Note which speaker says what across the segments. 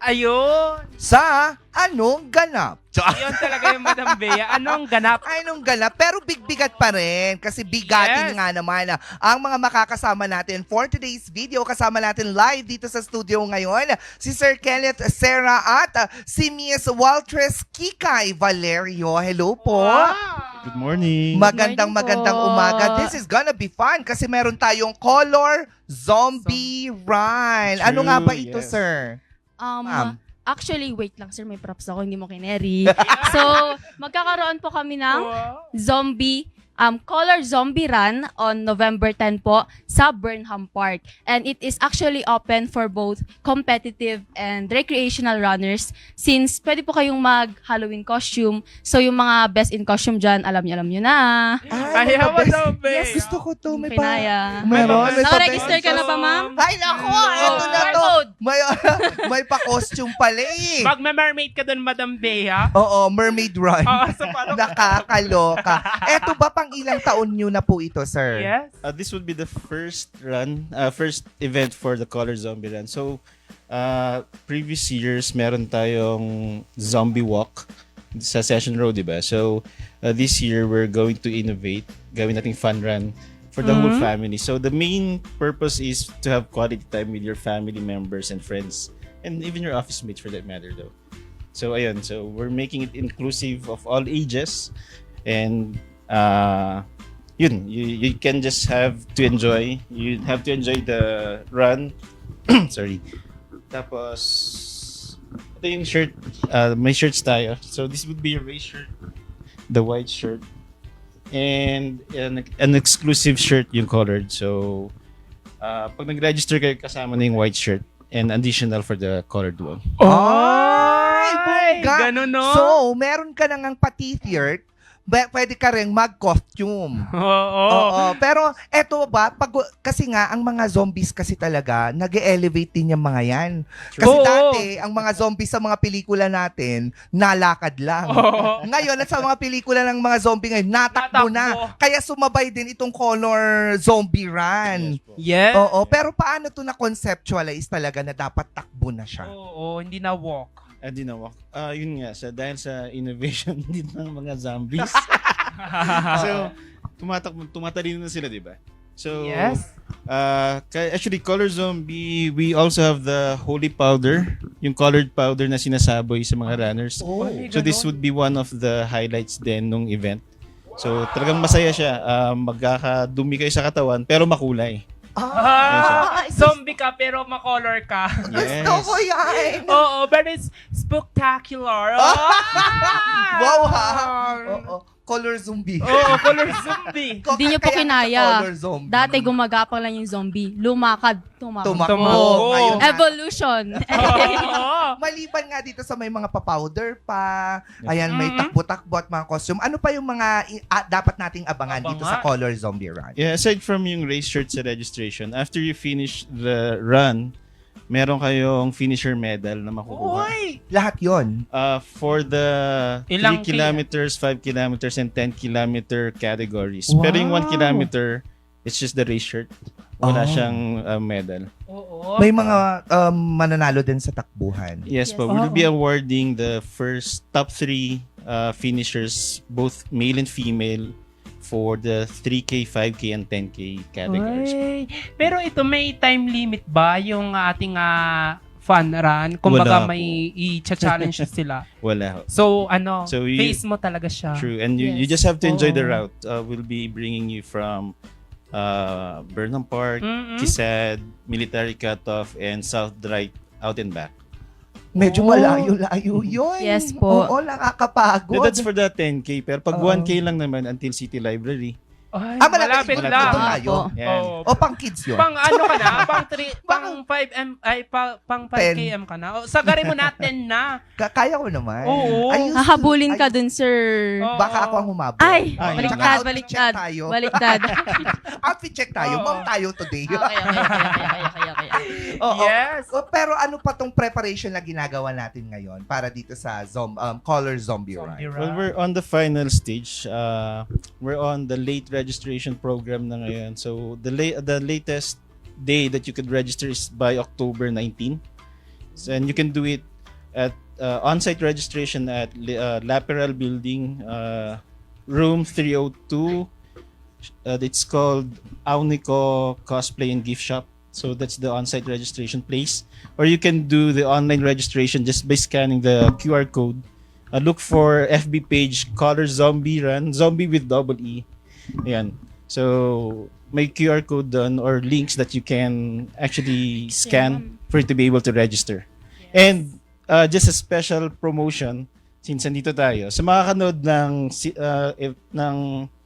Speaker 1: Ayun.
Speaker 2: sa Anong Ganap.
Speaker 1: Yun talaga yung Madam Bea. Anong ganap?
Speaker 2: Anong Ganap, pero big-bigat pa rin kasi bigatin
Speaker 1: Yes.
Speaker 2: nga naman ang mga makakasama natin for today's video. Kasama natin live dito sa studio ngayon si Sir Kenneth Serra at si Miss Waltress Kikay Valerio. Hello po.
Speaker 3: Good morning.
Speaker 2: Magandang
Speaker 4: Morning po.
Speaker 2: magandang umaga. This is gonna be fun kasi meron tayong Color Zombie Run. Ano
Speaker 3: True,
Speaker 2: nga ba ito,
Speaker 3: yes.
Speaker 2: sir? Ma'am.
Speaker 4: Actually, wait lang sir, may props ako, hindi mo kineri. So, magkakaroon po kami ng zombie, Color Zombie Run on November 10 po sa Burnham Park. And it is actually open for both competitive and recreational runners since pwede po kayong mag-Halloween costume. So, yung mga best in costume dyan, alam nyo na.
Speaker 2: Ay,
Speaker 1: Ayaw,
Speaker 2: mabes-
Speaker 1: Madam Bea.
Speaker 2: Yes, gusto ko to. May
Speaker 4: Pinaya.
Speaker 2: Meron. May
Speaker 4: Nakaregister ka na ba, ma'am?
Speaker 2: Ay, naku! Ito na to.
Speaker 4: Barcode.
Speaker 2: May pa-costume pala eh.
Speaker 1: Magme-mermaid ka dun, Madam Bea.
Speaker 2: Oo, Mermaid Run.
Speaker 1: Oo, so paano?
Speaker 2: Nakakaloka. Eto ba pang ilang taon nyo na po ito, sir?
Speaker 1: Yes.
Speaker 3: This would be the first event for the Color Zombie Run. So, previous years, meron tayong zombie walk sa Session Road, di ba? So, this year, we're going to innovate. Gawin nating fun run for the whole family. So, the main purpose is to have quality time with your family members and friends. And even your office mates for that matter, though. So, ayun. So, we're making it inclusive of all ages. And, yun, you can just have to enjoy. You have to enjoy the run. Sorry. Tapos, ito yung shirt. May shirts tayo. So, this would be your race shirt. The white shirt. And an exclusive shirt yung colored. So, pag nag-register kayo, kasama na yung white shirt. And additional for the colored one.
Speaker 2: Ay, bongga.
Speaker 1: Ganun, no?
Speaker 2: So, meron ka na ngang pa-t-shirt, pwede ka rin mag-costume.
Speaker 1: Oo.
Speaker 2: Oo. Pero eto ba, kasi nga, ang mga zombies kasi talaga, nag-elevate din yung mga yan. Kasi
Speaker 1: Oo.
Speaker 2: dati, ang mga zombies sa mga pelikula natin, nalakad lang.
Speaker 1: Oo.
Speaker 2: Ngayon, at sa mga pelikula ng mga zombie ngayon, natakbo na. Kaya sumabay din itong Color Zombie Run.
Speaker 3: Yes po.
Speaker 1: Yes.
Speaker 2: Oo, pero paano to na-conceptualize talaga na dapat takbo na siya?
Speaker 1: Oo, hindi na walk.
Speaker 3: Di na walk. Yun nga, dahil sa innovation din ng mga zombies. So, tumatalino na sila, di ba? So,
Speaker 1: Yes.
Speaker 3: actually, Color Zombie, we also have the holy powder, yung colored powder na sinasaboy sa mga runners.
Speaker 2: Oh.
Speaker 3: So, this would be one of the highlights din nung event. So, talagang masaya siya. Magkakadumi kayo sa katawan, pero makulay.
Speaker 1: Zombie ka pero makolor ka.
Speaker 2: Gusto ko yan!
Speaker 1: Oo, but it's spectacular.
Speaker 2: Wow, ha? Oo. Color zombie.
Speaker 1: Oo, color zombie.
Speaker 4: Hindi nyo po
Speaker 2: Kaya
Speaker 4: kinaya.
Speaker 2: Color zombie.
Speaker 4: Dati gumagapang lang yung zombie. Lumakad, tumakbo.
Speaker 2: Tumakbo. Ngayon,
Speaker 4: Evolution.
Speaker 1: Oo.
Speaker 2: maliban nga dito sa may mga pa-powder pa, ayan, may takbo-takbo at mga costume. Ano pa yung mga dapat nating abangan dito sa Color Zombie Run?
Speaker 3: Yeah, aside from yung race shirt sa registration, after you finish the run, meron kayong finisher medal na makukuha.
Speaker 1: Uy!
Speaker 2: Lahat yon.
Speaker 3: For the
Speaker 1: Ilang
Speaker 3: 3 kilometers, 5 kilometers, and 10 kilometer categories.
Speaker 1: Wow.
Speaker 3: Pero yung 1 kilometer, it's just the race shirt. Wala
Speaker 2: Oh.
Speaker 3: siyang medal.
Speaker 1: Oo.
Speaker 2: May mga mananalo din sa takbuhan.
Speaker 3: Yes,
Speaker 4: Yes.
Speaker 3: but we'll be awarding the first top 3 finishers, both male and female, for the 3K, 5K, and 10K categories.
Speaker 1: Uy. Pero ito, may time limit ba yung ating fun run? Kumbaga
Speaker 3: Wala
Speaker 1: may i-challenge sila.
Speaker 3: Wala.
Speaker 1: So,
Speaker 3: So,
Speaker 1: face mo talaga siya.
Speaker 3: True. And you
Speaker 4: Yes.
Speaker 3: just have to enjoy the
Speaker 1: Oo.
Speaker 3: route. We'll be bringing you from Burnham Park,
Speaker 1: Mm-mm.
Speaker 3: Kisad, Military Cutoff, and South Drive out and back.
Speaker 2: Medyo
Speaker 1: Oh.
Speaker 2: malayo-layo yun.
Speaker 4: Yes po.
Speaker 2: Oo, nakakapagod.
Speaker 3: That's for the 10K. Pero pag
Speaker 2: Oo.
Speaker 3: 1K lang naman until City Library.
Speaker 1: Ay,
Speaker 2: malapit
Speaker 1: malapit
Speaker 2: ito
Speaker 1: lang.
Speaker 2: na yun.
Speaker 3: Yan.
Speaker 1: Oo.
Speaker 2: O pang kids yun.
Speaker 1: Pang ano ka na? Pang 5M, pang 5km ka na? O, sagarin mo natin na.
Speaker 2: Kaya ko naman.
Speaker 1: Oo.
Speaker 2: I used to-
Speaker 4: Hahabulin ka
Speaker 2: I-
Speaker 4: dun, sir.
Speaker 1: Oo.
Speaker 2: Baka ako ang humabol.
Speaker 4: Ay,
Speaker 3: Ay,
Speaker 4: baliktad,
Speaker 2: outfit
Speaker 4: baliktad.
Speaker 2: check tayo.
Speaker 4: Baliktad.
Speaker 2: Outfit check tayo.
Speaker 1: Oo.
Speaker 2: Ma'am tayo today.
Speaker 4: Okay.
Speaker 2: Oo.
Speaker 1: Yes.
Speaker 2: Pero ano pa tong preparation na ginagawa natin ngayon para dito sa Color Zombie Run?
Speaker 1: Zombie
Speaker 3: Well,
Speaker 1: run.
Speaker 3: we're on the final stage. We're on the late registration program na ngayon. So, the latest day that you could register is by October 19. So, and you can do it at on-site registration at Laperal Building, room 302. It's called Aunico Cosplay and Gift Shop. So that's the on-site registration place. Or you can do the online registration just by scanning the QR code. Look for FB page Color Zombie Run, Zombie with double E. Ayan. So may QR code done or links that you can actually scan for you to be able to register. And just a special promotion since nandito tayo. Sa mga kanood ng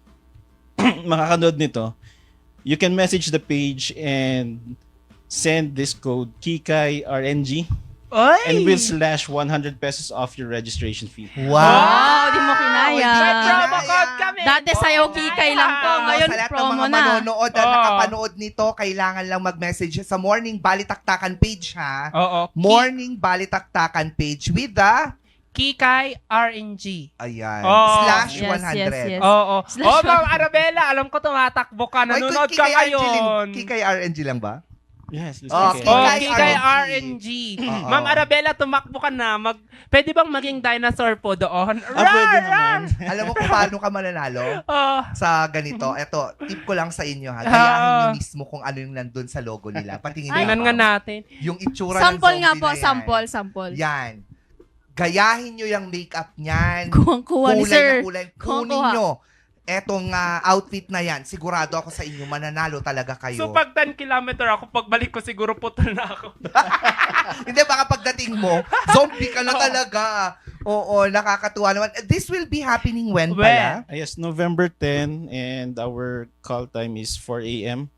Speaker 3: makakanood nito, you can message the page and send this code Kikay RNG
Speaker 1: Oy!
Speaker 3: and we'll slash 100 pesos off your registration fee.
Speaker 4: Wow, di mo kinaya.
Speaker 1: May promo code kami.
Speaker 4: Dati sa'yo, Kikay lang po. Ngayon,
Speaker 2: sa lahat ng
Speaker 4: promo
Speaker 2: mga
Speaker 4: na.
Speaker 2: manonood at
Speaker 1: Oo.
Speaker 2: nakapanood nito, kailangan lang mag-message sa Morning Balitaktakan page, ha?
Speaker 1: Oo.
Speaker 2: Morning Balitaktakan page with the,
Speaker 1: Kikay RNG.
Speaker 2: ayan,
Speaker 1: Oo.
Speaker 2: slash
Speaker 4: Yes,
Speaker 2: 100.
Speaker 4: yes, yes.
Speaker 1: Oo.
Speaker 4: Slash
Speaker 1: Oh, Ma'am Arabella, alam ko tumatakbo ka.
Speaker 2: Oy,
Speaker 1: Nanonood ka
Speaker 2: Kikay
Speaker 1: ngayon.
Speaker 2: Kikay RNG lang ba?
Speaker 3: Yes, let's
Speaker 2: Oh,
Speaker 3: take it.
Speaker 1: Oh,
Speaker 2: Kikay
Speaker 1: Kikay
Speaker 2: RNG.
Speaker 1: RNG.
Speaker 2: Oo.
Speaker 1: Ma'am Arabella, tumakbo ka na. Pwede bang maging dinosaur po doon?
Speaker 3: Pwede naman.
Speaker 2: Alam mo kung paano ka mananalo?
Speaker 1: Oh.
Speaker 2: Sa ganito, eto, tip ko lang sa inyo, ha? Gayahin nyo mismo kung ano yung nandun sa logo nila. Patingin nyo
Speaker 1: Tingnan nga natin.
Speaker 2: yung itsura ng
Speaker 4: Sample
Speaker 2: zombie
Speaker 4: nga po,
Speaker 2: na yan.
Speaker 4: sample.
Speaker 2: Yan. Gayahin nyo yung makeup niyan.
Speaker 4: Kuwang-kuha ni
Speaker 2: Kulay
Speaker 4: sir.
Speaker 2: na kulay. Kunin
Speaker 4: Kuha.
Speaker 2: nyo. Etong outfit na yan, sigurado ako sa inyo, mananalo talaga kayo.
Speaker 1: So pag 10 kilometer ako, pagbalik ko siguro putol na ako.
Speaker 2: Hindi, baka pagdating mo, zombie ka na talaga. Oo, nakakatuwa naman. This will be happening when pala?
Speaker 3: Yes, November 10 and our call time is 4 a.m.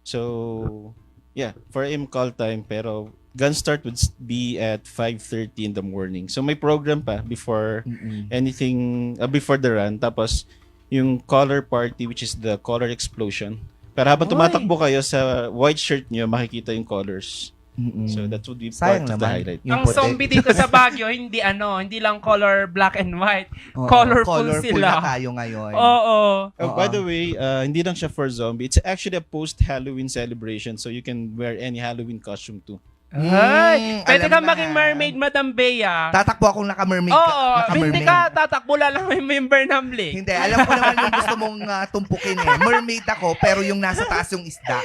Speaker 3: So, yeah, 4 a.m. call time pero gun start would be at 5:30 in the morning. So may program pa before anything, before the run. Tapos yung color party which is the color explosion. Pero habang
Speaker 1: Oy.
Speaker 3: tumatakbo kayo sa white shirt nyo, makikita yung colors. So that would be
Speaker 2: Sayang
Speaker 3: part of the
Speaker 2: naman.
Speaker 3: highlight.
Speaker 2: Yung
Speaker 1: Ang
Speaker 2: puti.
Speaker 1: zombie dito sa Baguio, hindi lang color black and white.
Speaker 2: Oo,
Speaker 1: Colorful
Speaker 2: na
Speaker 1: sila.
Speaker 2: tayo ngayon.
Speaker 1: Oo.
Speaker 3: By the way, hindi lang siya for zombie. It's actually a post-Halloween celebration so you can wear any Halloween costume too.
Speaker 1: Ay, pwede
Speaker 2: alam
Speaker 1: ka
Speaker 2: na.
Speaker 1: maging mermaid, Madam Bea.
Speaker 2: Tatakbo akong naka-mermaid.
Speaker 1: Oo,
Speaker 2: naka-mermaid.
Speaker 1: hindi ka tatakbo lang may member ng Blink.
Speaker 2: Hindi, alam ko naman yung gusto mong tumpukin eh. Mermaid ako, pero yung nasa taas yung isda.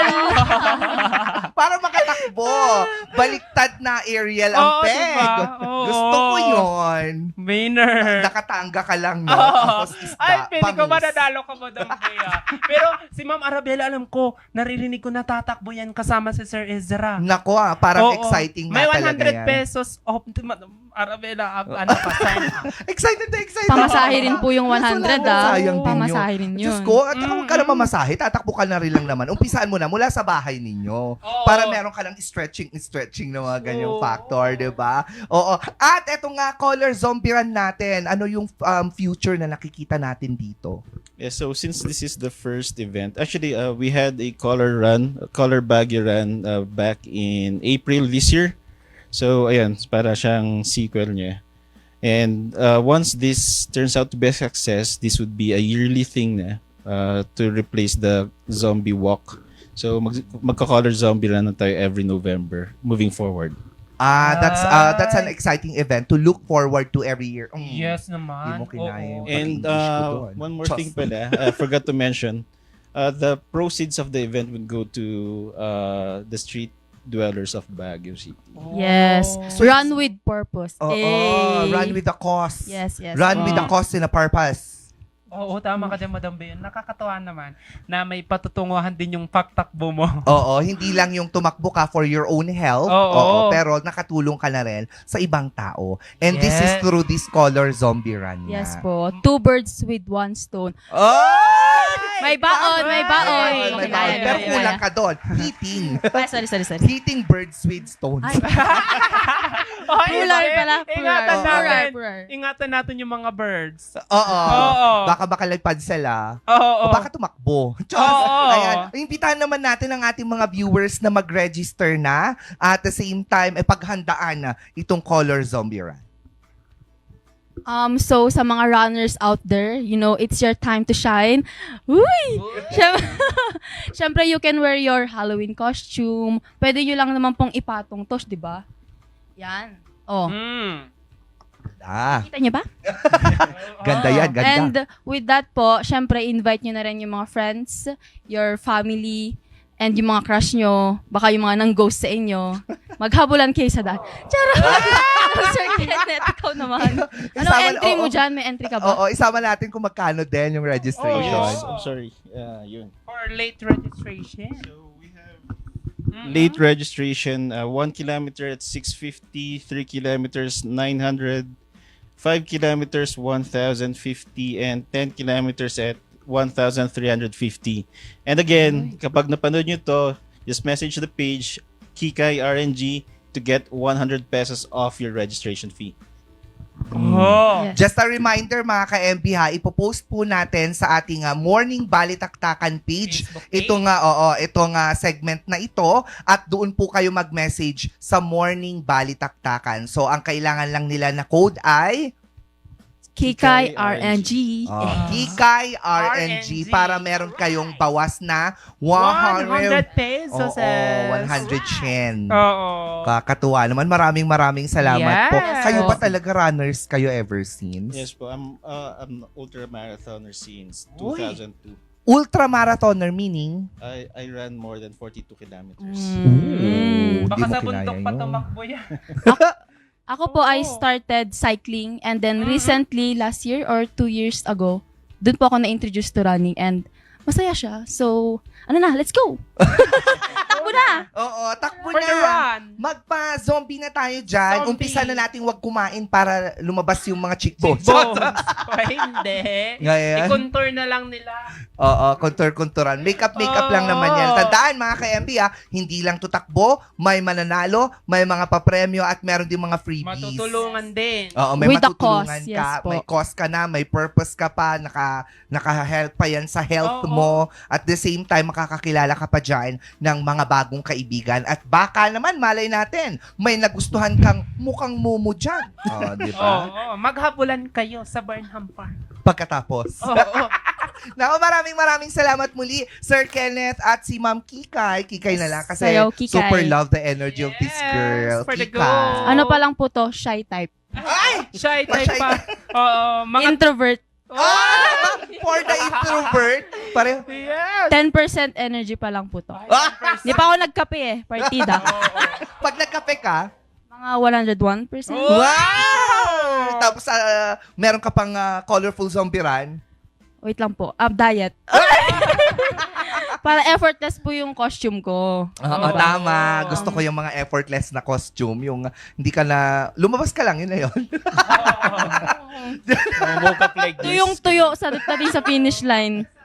Speaker 2: Para makatakbo. Baliktad na Ariel ang
Speaker 1: Oo,
Speaker 2: peg.
Speaker 1: diba? Oo.
Speaker 2: Gusto ko yun.
Speaker 1: Winner.
Speaker 2: Nakatanga ka lang, no?
Speaker 1: Oo.
Speaker 2: Tapos isda,
Speaker 1: Ay, pwede ko
Speaker 2: panis.
Speaker 1: mananalo ka, Madam Bea. Pero si Ma'am Arabella, alam ko, naririnig ko natatakbo yan kasama si Sir Ezra.
Speaker 2: Nako parang
Speaker 1: Oo.
Speaker 2: exciting
Speaker 1: May
Speaker 2: nga talaga
Speaker 1: 100
Speaker 2: yan.
Speaker 1: pesos off. Madam Arabella, ano pa, sign up.
Speaker 2: Excited na excited.
Speaker 4: Pamasahe rin po yung 100
Speaker 2: Sayang din yun.
Speaker 4: Pamasahe rin yun.
Speaker 2: Diyos ko, at saka huwag ka na mamasahe, tatakbo ka na rin lang naman. Umpisaan mo na mula sa bahay ninyo.
Speaker 1: Oo.
Speaker 2: Para meron ka lang stretching na mga ganyang
Speaker 1: Oo.
Speaker 2: factor, di ba? Oo. At eto nga, color zombie run natin. Ano yung future na nakikita natin dito?
Speaker 3: Yeah, so since this is the first event, actually we had a color Baguio run back in April this year. So ayan, para siyang sequel niya. And once this turns out to be a success, this would be a yearly thing na to replace the zombie walk. So magka-color zombie run na tayo every November moving forward.
Speaker 2: That's an exciting event to look forward to every year.
Speaker 1: Yes
Speaker 2: Hindi
Speaker 1: naman.
Speaker 2: mo kinaya
Speaker 1: Oo.
Speaker 2: yung
Speaker 3: And
Speaker 2: pag-English ko doon.
Speaker 3: one more
Speaker 2: Diyos.
Speaker 3: thing pala, I forgot to mention, the proceeds of the event would go to the street dwellers of Baguio City.
Speaker 4: Yes.
Speaker 2: So
Speaker 4: Run with purpose.
Speaker 2: Oo,
Speaker 4: Hey.
Speaker 2: run with the cause.
Speaker 4: Yes, yes.
Speaker 2: Run with the cause and a purpose.
Speaker 1: Oo, tama ka dyan, Madam Bea. Nakakatawa naman na may patutunguhan din yung pagtakbo mo.
Speaker 2: Oo, hindi lang yung tumakbo ka for your own health,
Speaker 1: Oo.
Speaker 2: pero nakatulong ka na rin sa ibang tao. And this is
Speaker 1: Yes.
Speaker 2: through this color zombie run na.
Speaker 4: Yes po. 2 birds with 1 stone.
Speaker 2: Ay!
Speaker 4: May baon, may baon.
Speaker 2: May
Speaker 4: Okay,
Speaker 2: baon.
Speaker 4: kaya,
Speaker 2: Pero
Speaker 4: kaya,
Speaker 2: kulang
Speaker 4: kaya.
Speaker 2: ka doon. Hitting.
Speaker 4: Ay, sorry.
Speaker 2: Hitting birds with stones.
Speaker 4: Ay,
Speaker 1: Oh,
Speaker 4: plural pala.
Speaker 1: Ingatan
Speaker 4: Plural.
Speaker 1: natin.
Speaker 4: Plural.
Speaker 1: Ingatan natin yung mga birds.
Speaker 2: Oo.
Speaker 1: Oo.
Speaker 2: Baka makalagpad sila.
Speaker 1: Oo.
Speaker 2: O baka tumakbo. Diyos.
Speaker 1: Oo.
Speaker 2: Ayan. Imbitahan naman natin ang ating mga viewers na mag-register na at the same time, paghandaan na itong color zombie run.
Speaker 4: So sa mga runners out there, it's your time to shine. Uy! Siyempre, you can wear your Halloween costume. Pwede nyo lang naman pong ipatong tos, di ba? Yan. Oh,
Speaker 2: Ah,
Speaker 4: kita niyo ba?
Speaker 2: ganda yan, ganda.
Speaker 4: And with that po, syempre invite nyo na rin yung mga friends, your family, and yung mga crush nyo, baka yung mga nang-ghost sa inyo. Maghabulan kayo sa daan. Charot! Sir Kenneth, ikaw naman. Anong
Speaker 2: Isama-
Speaker 4: entry mo
Speaker 2: oo.
Speaker 4: dyan? May entry ka ba?
Speaker 2: Oo, isama natin kung magkano din yung
Speaker 3: Oh,
Speaker 2: registration.
Speaker 3: yes. I'm sorry. Yun.
Speaker 1: For late registration.
Speaker 3: So we have late registration, 1 kilometer at 650, 3 kilometers 900, 5 kilometers 1,050, and 10 kilometers at 1,350. And again, kapag napanood nyo to, just message the page Kikay RNG to get 100 pesos off your registration fee.
Speaker 1: Oh.
Speaker 4: Yes.
Speaker 2: Just a reminder mga ka-MB ha, ipopost po natin sa ating Morning Balitaktakan page.
Speaker 1: Facebook page.
Speaker 2: Itong segment na ito at doon po kayo mag-message sa Morning Balitaktakan. So ang kailangan lang nila na code ay
Speaker 4: Kikay
Speaker 3: Kikay
Speaker 4: RNG.
Speaker 2: Kikay RNG para meron kayong bawas na 100
Speaker 1: pesos.
Speaker 2: Oo, 100 yen.
Speaker 1: Oo.
Speaker 2: Kakatuwa naman. Maraming salamat po.
Speaker 1: Yes.
Speaker 2: Kayo ba talaga runners kayo ever since?
Speaker 3: Yes po, I'm ultra marathoner since
Speaker 1: Uy.
Speaker 3: 2002.
Speaker 2: Ultramarathoner meaning?
Speaker 3: I ran more than 42 kilometers.
Speaker 2: Ooh,
Speaker 1: Baka
Speaker 2: di mo
Speaker 1: sa
Speaker 2: kinaya
Speaker 1: bundok pa
Speaker 2: yun.
Speaker 1: tumakbo yan.
Speaker 4: Ako po, I started cycling and then recently, last year or 2 years ago, dun po ako na-introduce to running and masaya siya. So, let's go! Takbo na!
Speaker 2: Oo, takbo
Speaker 1: For the
Speaker 2: na.
Speaker 1: run.
Speaker 2: Magpa-zombie na tayo dyan.
Speaker 1: Zombie.
Speaker 2: Umpisa na nating wag kumain para lumabas yung mga cheekbones.
Speaker 1: Bones. O hindi.
Speaker 2: Ngayon?
Speaker 1: I-contour na lang nila.
Speaker 2: Oo, kontur-konturan. Makeup lang naman yan. Tandaan mga ka-MB hindi lang tutakbo, may mananalo, may mga papremyo at meron din mga freebies.
Speaker 1: Matutulungan din.
Speaker 2: Oo, may
Speaker 4: With the
Speaker 2: matutulungan
Speaker 4: cause,
Speaker 2: ka,
Speaker 4: yes po.
Speaker 2: may cause ka na, may purpose ka pa, naka-help pa yan sa health
Speaker 1: Oo.
Speaker 2: mo. At the same time, makakakilala ka pa dyan ng mga bagong kaibigan. At baka naman, malay natin, may nagustuhan kang mukhang mumu dyan. Di ba?
Speaker 1: Oo. Maghabulan kayo sa Burnham Park.
Speaker 2: Pagkatapos.
Speaker 1: Oo.
Speaker 2: Naku, maraming salamat muli, Sir Kenneth at si Ma'am Kikay. Kikay na lang kasi
Speaker 4: Sayo, Kikay.
Speaker 2: super love the energy of this
Speaker 1: Yes,
Speaker 2: girl.
Speaker 1: for the
Speaker 2: Kikay.
Speaker 1: go.
Speaker 4: Ano pa lang po to? Shy type.
Speaker 2: Ay!
Speaker 1: Shy type
Speaker 2: Shy
Speaker 1: pa. Oo. Mga...
Speaker 4: Introvert.
Speaker 2: Ah! For the introvert. Pareho.
Speaker 1: Yes.
Speaker 4: 10% energy pa lang po to.
Speaker 2: Ah!
Speaker 4: Hindi pa ako nagkape partida.
Speaker 2: Pag nagkape ka,
Speaker 4: Mga 101%.
Speaker 1: Oh.
Speaker 2: wow! Tapos meron ka pang colorful zombie run.
Speaker 4: Wait lang po. Diet. Para effortless po yung costume ko.
Speaker 2: Oo, tama. Gusto ko yung mga effortless na costume. Yung hindi ka na, lumabas ka lang, yun na yun.
Speaker 3: Woke up like this.
Speaker 4: Tuyong-tuyo sa finish line.